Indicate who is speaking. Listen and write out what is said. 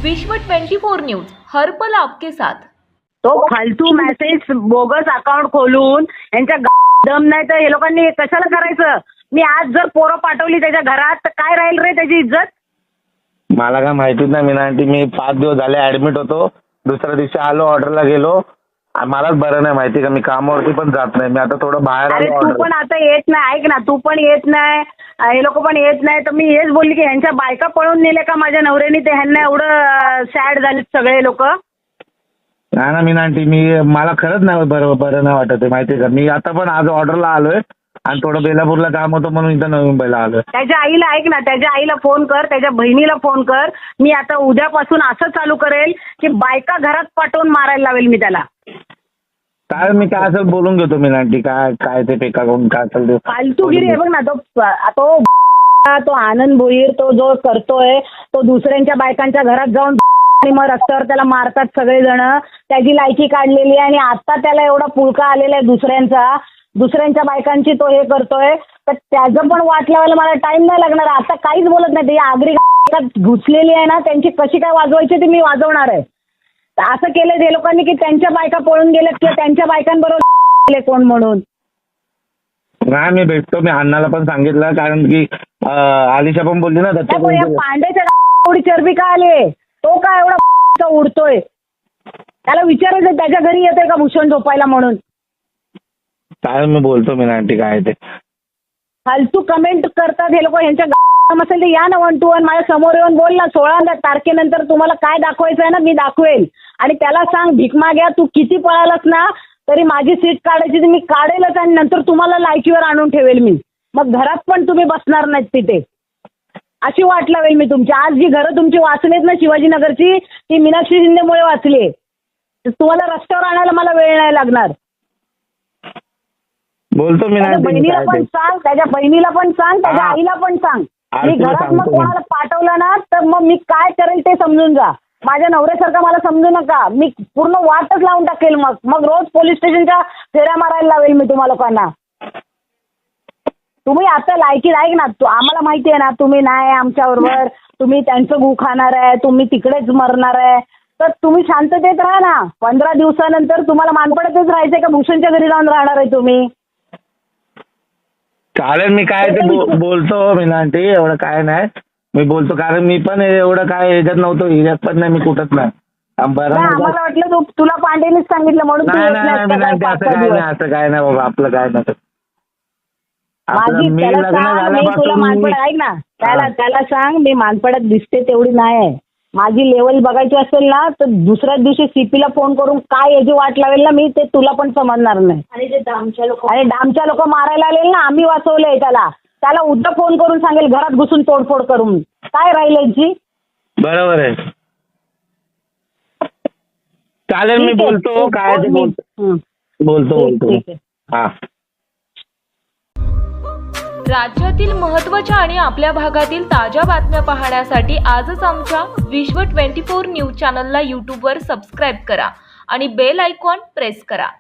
Speaker 1: विश्व 24 न्यूज हर पल आपके साथ।
Speaker 2: तो फालतू मेसेज बोगस अकाउंट खोलून यांच्या दम नाही तर हे लोकांनी कशाला करायचं। मी आज जर पोरं पाठवली त्याच्या घरात तर काय राहील रे त्याची इज्जत।
Speaker 3: मला काय माहितीच नाही मीना आंटी, मी 5 दिवस झाले ऍडमिट होतो, दुसऱ्या दिवशी आलो, ऑर्डरला गेलो, मलाच बरं नाही माहिती का, मी कामावरती पण जात नाही, मी आता थोडं बाहेर
Speaker 2: अरे
Speaker 3: आलो।
Speaker 2: तू पण आता येत नाही, ऐक ना, तू पण येत नाही, हे लोक पण येत नाही, तर मी हेच बोलली की ह्यांच्या बायका पळून नेले का माझ्या नवऱ्याने, ते ह्यांना एवढं सॅड झाले सगळे लोक।
Speaker 3: नाही ना मीना आंटी, मला खरंच नाही बरं नाही वाटत आहे माहिती का। मी आता पण आज ऑर्डरला आलोय आणि थोडं बेलापूरला काम होतं म्हणून इथं नवी मुंबईला आलोय।
Speaker 2: त्याच्या आईला ऐक ना, त्याच्या आईला फोन कर, त्याच्या बहिणीला फोन कर। मी आता उद्यापासून असं चालू करेल की बायका घरात पाठवून मारायला लावेल मी त्याला।
Speaker 3: काय मी काय असेल बोलून घेतो मीना आंटी, काय ते पेका करून काय असेल
Speaker 2: फालतूगिरी आहे बघ ना। तो आनंद भोईर तो जो करतोय, तो दुसऱ्यांच्या बायकांच्या घरात जाऊन आणि मग रस्त्यावर त्याला मारतात सगळेजण, त्याची लायकी काढलेली आहे आणि आता त्याला एवढा पुळका आलेला आहे दुसऱ्यांच्या बायकांची तो हे करतोय, तर त्याचं पण वाट लावायला मला टाइम नाही लागणार। आता काहीच बोलत नाही, ती आगरी घुसलेली आहे ना, त्यांची कशी काय वाजवायची ती मी वाजवणार आहे। असं केलं ते लोकांनी की त्यांच्या बायका पळून गेल्यात किंवा त्यांच्या बायकांबरोबर कोण म्हणून।
Speaker 3: नाही मी भेटतो, मी अण्णाला पण सांगितलं, कारण की आलिशा पण बोलली ना
Speaker 2: पांड्याच्या एवढी चरबी का आली, तो काय एवढा उडतोय, त्याला विचारायचं त्याच्या घरी येतोय का भूषण झोपायला म्हणून।
Speaker 3: काय मी बोलतो मीना आंटी काय ते
Speaker 2: फालतू कमेंट करतात हे लोक, यांच्या असेल ते या ना 1 to 1 माझ्या समोर येऊन बोल ना। 16 तारखेनंतर तुम्हाला काय दाखवायचं आहे ना, मी दाखवेल आणि त्याला सांग भीक माग्या, तू किती पळालास ना तरी माझी सीट काढायची मी काढेलच आणि नंतर तुम्हाला लायकीवर आणून ठेवेल मी, मग घरात पण तुम्ही बसणार नाहीत तिथे, अशी वाट लावेल मी तुमची। आज जी घरं तुमची वाचलीत ना शिवाजीनगरची, ती मीनाक्षी शिंदेमुळे वाचली, तुम्हाला रस्त्यावर आणायला मला वेळ नाही लागणार।
Speaker 3: बोलतो मी
Speaker 2: त्याच्या बहिणीला पण सांग, त्याच्या बहिणीला पण सांग, त्याच्या आईला पण सांग। मी घरात मग कोणाला पाठवलं ना तर मग मी काय करेल ते समजून जा। माझ्या नवऱ्यासारखं मला समजू नका, मी पूर्ण वाटच लावून टाकेल, मग रोज पोलीस स्टेशनच्या फेऱ्या मारायला लावेल मी तुम्हा लोकांना। तुम्ही आता लायकी ऐक ना, आम्हाला माहिती आहे ना तुम्ही नाही आमच्याबरोबर, तुम्ही त्यांचं गु खाणार आहे, तुम्ही तिकडेच मरणार आहे, तर तुम्ही शांततेत राहा ना। 15 दिवसानंतर तुम्हाला मानपडातच राहायचंय का भूषणच्या घरी जाऊन राहणार आहे तुम्ही।
Speaker 3: चालेल, मी काय ते बोलतो मीना आंटी, एवढं काय नाही मी बोलतो, कारण मी पण एवढं काय ह्याच्यात नव्हतो, ह्याच्यात पण नाही, मी कुठंच नाही।
Speaker 2: आम्हाला वाटलं तुला पांडेनेच सांगितलं म्हणून
Speaker 3: असं काय नाही बाबा, आपलं काय नसतं।
Speaker 2: तुला मानपड ऐक ना, त्याला सांग मी मानपडात दिसते तेवढी नाही आहे, माझी लेवल बघायची असेल ना तर दुसऱ्याच दिवशी सीपीला फोन करून काय याची वाट लावेल ना मी, ते तुला पण समजणार नाही। आणि ते डामच्या लोक मारायला आलेले ना, आम्ही वाचवलंय त्याला उद्या फोन करून सांगेल घरात घुसून तोडफोड करून, काय राहील यांची।
Speaker 3: बरोबर आहे, चालेल मी बोलतो, काय ते बोलतो हा।
Speaker 1: राज्यातील महत्त्वाच्या आणि आपल्या भागातील ताज्या बातम्या पाहण्यासाठी आजच आमच्या विश्व 24 न्यूज चॅनलला यूट्यूबवर सबस्क्राईब करा आणि बेल आयकॉन प्रेस करा।